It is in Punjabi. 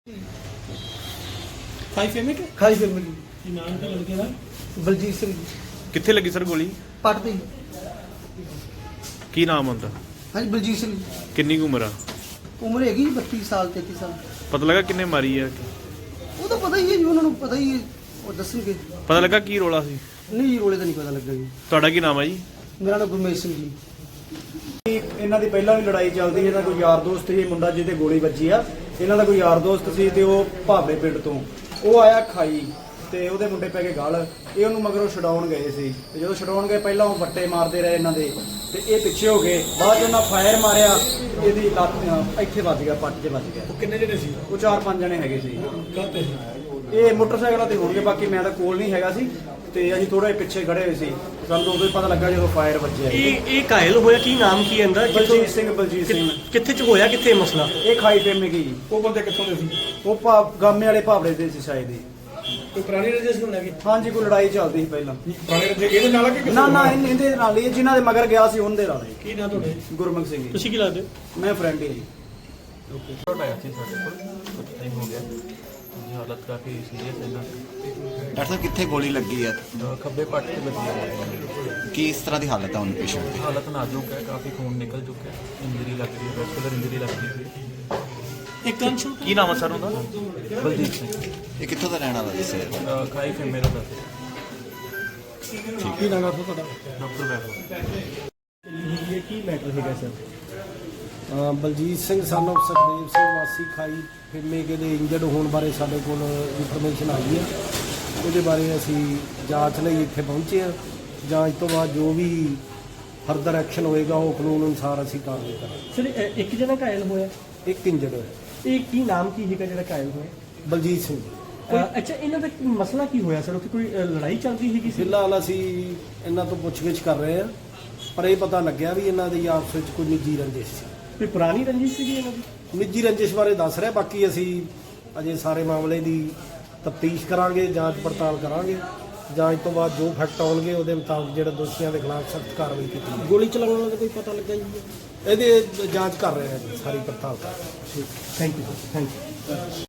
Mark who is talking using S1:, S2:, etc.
S1: ਖਾਈ ਫੈਮਿਲੀ
S2: ਕੀ
S1: ਨਾਮ ਕੀ ਲੜਕੇ ਦਾ?
S2: ਬਲਜੀਤ ਸਿੰਘ
S3: ਕਿੱਥੇ ਲੱਗੀ ਸਰ ਗੋਲੀ?
S2: ਪੱਟ ਦੀ।
S3: ਕੀ ਨਾਮ ਹੁੰਦਾ?
S2: ਹਾਂਜੀ ਬਲਜੀਤ ਸਿੰਘ।
S3: ਕਿੰਨੀ ਕੁ ਉਮਰ ਆ?
S2: ਉਮਰ ਹੈਗੀ 32 ਸਾਲ 33 ਸਾਲ।
S3: ਪਤਾ ਲੱਗਾ ਕਿੰਨੇ ਮਾਰੀ ਆ?
S2: ਉਹ ਤਾਂ ਪਤਾ ਹੀ ਹੈ ਜੀ, ਉਹਨਾਂ ਨੂੰ ਪਤਾ ਹੀ ਹੈ, ਉਹ ਦੱਸਣਗੇ।
S3: ਪਤਾ ਲੱਗਾ ਕੀ ਰੋਲਾ ਸੀ?
S2: ਨਹੀਂ ਜੀ, ਰੋਲੇ ਤਾਂ ਨਹੀਂ ਪਤਾ ਲੱਗਾ ਜੀ।
S3: ਤੁਹਾਡਾ ਕੀ ਨਾਮ ਹੈ ਜੀ?
S2: ਮੇਰਾ ਨਾਮ ਗੁਰਮੇਸ਼ ਸਿੰਘ ਜੀ।
S4: ਇਹਨਾਂ ਦੀ ਪਹਿਲਾਂ ਵੀ ਲੜਾਈ ਚੱਲਦੀ, ਇਹਦਾ ਕੋਈ ਯਾਰ ਦੋਸਤ ਸੀ ਮੁੰਡਾ ਜਿਹਦੇ ਗੋਲੀ ਵੱਜੀ ਆ। ਇਹਨਾਂ ਦਾ ਕੋਈ ਯਾਰ ਦੋਸਤ ਸੀ ਤੇ ਉਹ ਭਾਬੜੇ ਪਿੰਡ ਤੋਂ ਉਹ ਆਇਆ ਖਾਈ ਤੇ ਉਹਦੇ ਮੁੰਡੇ ਪੈ ਕੇ ਗਲ। ਇਹ ਉਹਨੂੰ ਮਗਰੋਂ ਛਡਾਉਣ ਗਏ ਸੀ ਤੇ ਜਦੋਂ ਛਡਾਉਣ ਗਏ ਪਹਿਲਾਂ ਉਹ ਵੱਟੇ ਮਾਰਦੇ ਰਹੇ ਇਹਨਾਂ ਦੇ ਤੇ ਇਹ ਪਿੱਛੇ ਹੋ ਗਏ। ਬਾਅਦ 'ਚ ਉਹਨਾਂ ਫਾਇਰ ਮਾਰਿਆ, ਇਹਦੀ ਲੱਤ ਇੱਥੇ ਵੱਜ ਗਿਆ, ਪੱਟ 'ਚ ਵੱਜ ਗਿਆ।
S1: ਉਹ ਕਿੰਨੇ ਜਣੇ ਸੀ?
S4: ਉਹ 4-5 ਜਣੇ ਹੈਗੇ ਸੀ।
S1: ਕਾਹਤੇ?
S4: ਇਹ ਮੋਟਰਸਾਈਕਲਾਂ ਤੇ ਹੋਣਗੇ, ਬਾਕੀ ਮੈਂ ਤਾਂ ਕੋਲ ਨਹੀਂ ਹੈਗਾ ਸੀ ਤੇ ਅਸੀਂ ਥੋੜੇ ਪਿੱਛੇ ਖੜੇ ਹੋਏ ਸੀ। ਸਾਨੂੰ ਉਦੋਂ ਹੀ ਪਤਾ ਲੱਗਾ ਜਦੋਂ ਫਾਇਰ ਵੱਜਿਆ।
S5: ਇਹ ਘਾਇਲ ਹੋਇਆ, ਕੀ ਨਾਮ ਕੀ ਇਹਦਾ?
S4: ਬਲਜੀਤ ਸਿੰਘ।
S5: ਕਿੱਥੇ ਚ ਹੋਇਆ, ਕਿੱਥੇ ਮਸਲਾ?
S4: ਇਹ ਖਾਈ ਫੇਮੇ ਗਈ।
S1: ਉਹ ਬੰਦੇ ਕਿੱਥੋਂ ਦੇ ਸੀ?
S4: ਉਹ ਗਾਮੇ ਵਾਲੇ ਭਾਵੜੇ ਦੇ ਸੀ ਸ਼ਾਇਦ ਹੀ।
S1: ਕੋਈ ਪੁਰਾਣੀ ਰਜਿਸਟਰ ਨੂੰ ਲੈ ਕੇ?
S4: ਹਾਂਜੀ, ਕੋਈ ਲੜਾਈ ਚੱਲਦੀ ਸੀ ਪਹਿਲਾਂ।
S1: ਪੁਰਾਣੇ ਰਜਿਸਟਰ ਇਹਦੇ ਨਾਲ ਆ ਕਿ ਕਿਸੇ
S4: ਨਾ
S1: ਹੋਰ
S4: ਨਾ
S1: ਨਾਲ?
S4: ਇਹਦੇ ਨਾਲ ਹੀ, ਜਿਨ੍ਹਾਂ ਦੇ ਮਗਰ ਗਿਆ ਸੀ ਉਹਦੇ ਨਾਲ ਹੀ।
S1: ਕੀ ਨਾਂ ਤੁਹਾਡੇ?
S4: ਗੁਰਮੁਖ ਸਿੰਘ ਜੀ।
S5: ਤੁਸੀਂ ਕੀ ਲੱਗਦੇ?
S4: ਮੈਂ ਫਰੈਂਡ ਹੀ ਜੀ।
S6: ਆਇਆ ਸੀ ਸਾਡੇ ਕੋਲ ਕੁਝ ਟਾਈਮ ਹੋ ਗਿਆ ਜੀ, ਹਾਲਤ ਕਾਫੀ ਸੀਰੀਅਸ ਹੈ ਨਾ।
S7: ਡਾਕਟਰ ਸਾਹਿਬ ਕਿੱਥੇ ਗੋਲੀ ਲੱਗੀ ਹੈ?
S6: ਖੱਬੇ ਪੱਟ ਤੇ ਵੱਜੀ ਹੈ।
S7: ਕਿਸ ਤਰ੍ਹਾਂ ਦੀ ਹਾਲਤ ਹੈ ਹੁਣ ਪੇਸ਼ੈਂਟ ਦੀ?
S6: ਹਾਲਤ ਨਾਜ਼ੁਕ ਹੈ, ਕਾਫੀ ਖੂਨ ਨਿਕਲ ਚੁੱਕਾ ਹੈ, ਇੰਜਰੀ ਲੱਗ ਰਹੀ ਹੈ, ਵੈਸਕੂਲਰ ਇੰਜਰੀ ਲੱਗ ਰਹੀ ਹੈ।
S5: ਇੱਕ ਕੰਸ਼ਨ
S3: ਕੀ ਨਾਮ ਹੈ ਸਰ ਉਹਦਾ?
S6: ਬਲਜੀਤ ਸਿੰਘ
S7: ਇਹ ਕਿੱਥੋਂ ਦਾ ਰਹਿਣ ਵਾਲਾ ਦੱਸਿਆ?
S6: ਖਾਈ ਫੇ ਮੇਰਾ ਦੱਸ
S1: ਕੀ ਨਾਮ ਆ ਤੁਹਾਡਾ?
S6: ਡਾਕਟਰ ਵੈਭਵ।
S5: ਇਹ ਕੀ ਮੈਟਰ ਹੈਗਾ ਸਰ?
S8: ਬਲਜੀਤ ਸਿੰਘ ਸਾਨੂੰ ਸੁਖਦੇਵ ਸਿੰਘ ਵਾਸੀ ਖਾਈ ਫਿਰਮੇ ਕੇ ਦੇ ਇੰਜਰਡ ਹੋਣ ਬਾਰੇ ਸਾਡੇ ਕੋਲ ਇਨਫੋਰਮੇਸ਼ਨ ਆਈ ਹੈ। ਉਹਦੇ ਬਾਰੇ ਅਸੀਂ ਜਾਂਚ ਲਈ ਇੱਥੇ ਪਹੁੰਚੇ ਹਾਂ। ਜਾਂਚ ਤੋਂ ਬਾਅਦ ਜੋ ਵੀ ਫਰਦਰ ਐਕਸ਼ਨ ਹੋਏਗਾ ਉਹ ਕਾਨੂੰਨ ਅਨੁਸਾਰ ਅਸੀਂ ਕਾਰਵਾਈ ਕਰਾਂਗੇ।
S5: ਸਰ ਇੱਕ ਜਣਾ ਘਾਇਲ ਹੋਇਆ,
S8: ਇੱਕ ਇੰਜਰਡ ਹੋਇਆ।
S5: ਇਹ ਕੀ ਨਾਮ ਕੀ ਹੈਗਾ ਜਿਹੜਾ ਘਾਇਲ ਹੋਇਆ?
S8: ਬਲਜੀਤ ਸਿੰਘ।
S5: ਅੱਛਾ, ਇਹਨਾਂ ਦਾ ਮਸਲਾ ਕੀ ਹੋਇਆ ਸਰ? ਉੱਥੇ ਕੋਈ ਲੜਾਈ ਚੱਲਦੀ ਹੈਗੀ ਸੀ?
S8: ਫਿਲਹਾਲ ਅਸੀਂ ਇਹਨਾਂ ਤੋਂ ਪੁੱਛਗਿੱਛ ਕਰ ਰਹੇ ਹਾਂ, ਪਰ ਇਹ ਪਤਾ ਲੱਗਿਆ ਵੀ ਇਹਨਾਂ ਦੀ ਆਪਸ ਵਿੱਚ ਕੋਈ ਨਿੱਜੀ ਰੰਜਿਸ਼ ਸੀ।
S5: ਕੋਈ ਪੁਰਾਣੀ ਰੰਜਿਸ਼ ਸੀਗੀ ਇਹਨਾਂ ਦੀ?
S8: ਨਿੱਜੀ ਰੰਜਿਸ਼ ਬਾਰੇ ਦੱਸ ਰਿਹਾ, ਬਾਕੀ ਅਸੀਂ ਅਜੇ ਸਾਰੇ ਮਾਮਲੇ ਦੀ ਤਫਤੀਸ਼ ਕਰਾਂਗੇ, ਜਾਂਚ ਪੜਤਾਲ ਕਰਾਂਗੇ। ਜਾਂਚ ਤੋਂ ਬਾਅਦ ਜੋ ਫੈਕਟ ਆਉਣਗੇ ਉਹਦੇ ਮੁਤਾਬਕ ਜਿਹੜੇ ਦੋਸ਼ੀਆਂ ਦੇ ਖਿਲਾਫ ਸਖਤ ਕਾਰਵਾਈ ਕੀਤੀ ਜਾਵੇਗੀ।
S5: ਗੋਲੀ ਚਲਾਉਣ ਵਾਲਾ ਦਾ ਕੋਈ ਪਤਾ ਲੱਗਾ ਜੀ?
S8: ਇਹਦੇ ਜਾਂਚ ਕਰ ਰਹੇ ਹਾਂ ਜੀ, ਸਾਰੀ ਪੜਤਾਲ ਕਰ ਰਹੇ ਹਾਂ।
S5: Thank you sir, thank you.